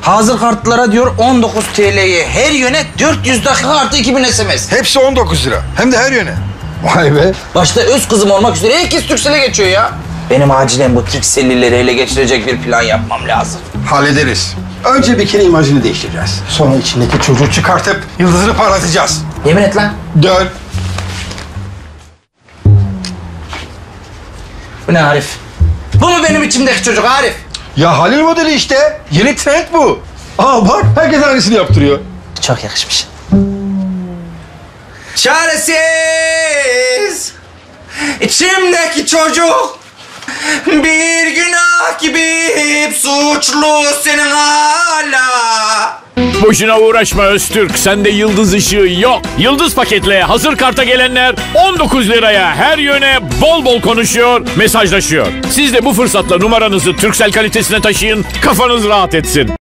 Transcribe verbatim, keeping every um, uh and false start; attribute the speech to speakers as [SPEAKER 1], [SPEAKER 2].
[SPEAKER 1] Hazır kartlara diyor on dokuz T L'ye her yöne dört yüz dakika artı iki bin S M S.
[SPEAKER 2] Hepsi on dokuz lira. Hem de her yöne. Vay be.
[SPEAKER 1] Başta öz kızım olmak üzere herkes Turkcell'e geçiyor ya. Benim acilen bu Turkcell'lileri ele geçirecek bir plan yapmam lazım.
[SPEAKER 2] Hallederiz. Önce bir kere imajını değiştireceğiz. Sonra içindeki çocuğu çıkartıp yıldızını parlatacağız.
[SPEAKER 1] Yemin et lan.
[SPEAKER 2] Dön.
[SPEAKER 1] Bu ne Arif? Bu mu benim içimdeki çocuk Arif?
[SPEAKER 2] Ya Halil modeli işte. Yeni trend bu. Aa bak, herkes aynısını yaptırıyor.
[SPEAKER 1] Çok yakışmış. Çaresiz içimdeki çocuk bir günah gibi hep suçlu senin hala.
[SPEAKER 3] Boşuna uğraşma Öztürk. Sende yıldız ışığı yok. Yıldız paketle hazır karta gelenler on dokuz liraya her yöne bol bol konuşuyor, mesajlaşıyor. Siz de bu fırsatla numaranızı Turkcell kalitesine taşıyın, kafanız rahat etsin.